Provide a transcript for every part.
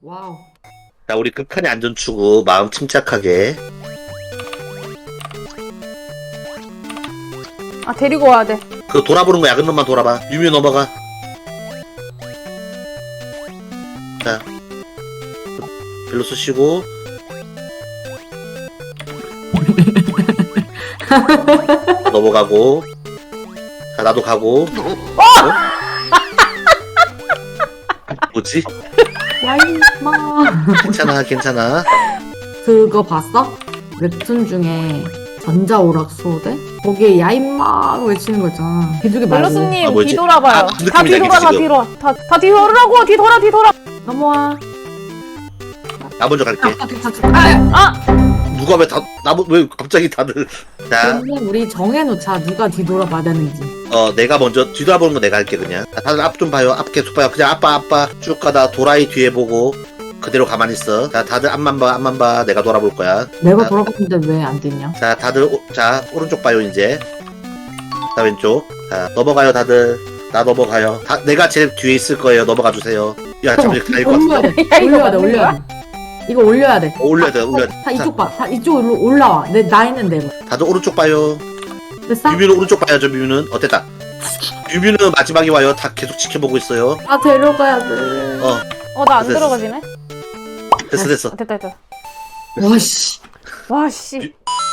와우. 자, 우리 극한의 안전추구 마음 침착하게. 아, 데리고 와야 돼. 그 돌아보는 거 야근 놈만 돌아봐. 유미 넘어가. 자, 벨로스 쉬고. 넘어가고. 자, 나도 가고. 어? 뭐지? 야 임마. 괜찮아, 괜찮아. 그거 봤어? 웹툰 중에 전자오락소대? 거기에 야 임마 외치는 거 있잖아. 비둘기 말고. 벨로스님, 아, 뭐지? 뒤돌아봐요. 아, 무슨 다 느낌인지 뒤돌아, 다 알겠지, 뒤돌아. 다 뒤돌으라고! 뒤돌아! 넘어와. 나 먼저 갈게. 누가 왜 갑자기 다들. 자, 그러면 우리 정해놓자. 누가 뒤돌아봐야 되는지. 내가 먼저 뒤돌아보는 거 내가 할게, 그냥. 자, 다들 앞 좀 봐요. 앞 계속 봐요. 그냥 아빠. 쭉 가다 도라이 뒤에 보고. 그대로 가만히 있어. 자, 다들 앞만 봐. 내가 돌아볼 거야. 내가 자, 돌아봤는데 왜 안 됐냐? 자, 다들, 자, 오른쪽 봐요, 이제. 자, 왼쪽. 자, 넘어가요, 다들. 나 넘어가요. 내가 제일 뒤에 있을 거예요. 넘어가 주세요. 야, 잠깐만, 이거 다일 것 올려야 같은데. 돼. 야, 이거 올려야 돼. 맞는 올려야 돼. 이거 올려야 돼. 올려야 돼. 다 이쪽 봐. 다 이쪽으로 올라와. 나 있는데. 이거. 다들 오른쪽 봐요. 됐어? 뮤뮤는 오른쪽 봐야죠, 뮤뮤는. 됐다. 뮤뮤는 마지막에 와요. 다 계속 지켜보고 있어요. 아 데려가야 돼. 나 안 됐어. 들어가지네? 됐어. 아, 됐다. 와씨. 와, 씨.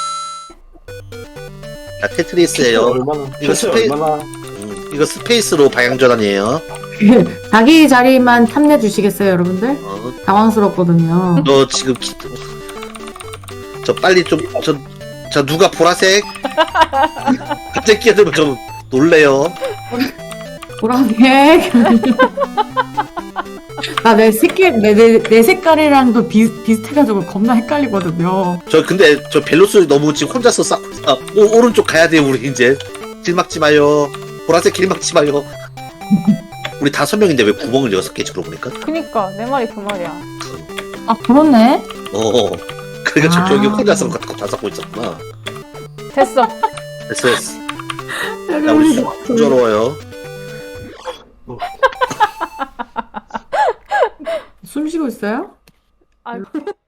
자, 테트리스예요. 얼마나 이거 대체 얼마나 이거 스페이스로 방향 전환이에요. 자기 자리만 탐내 주시겠어요, 여러분들? 당황스럽거든요. 너 지금 저 빨리 좀 저 누가 보라색 갑자기 끼어들면 좀 놀래요. 보라색. 나내 내 색깔이랑도 비슷해가지고 겁나 헷갈리거든요. 저 근데 저 벨로스 너무 지금 혼자서 오른쪽 가야 돼요. 우리 이제 길 막지 마요. 보라색 길 막지 마요. 우리 5명인데 왜 구멍을 6개 주로 보니까? 그니까, 내 말이 그 말이야. 아 그렇네. 그러니까 아. 저기 혼자서 다 잡고 있었구나. 됐어. 됐어. 야, 우리 순조로워요. 숨 쉬고 있어요? 아,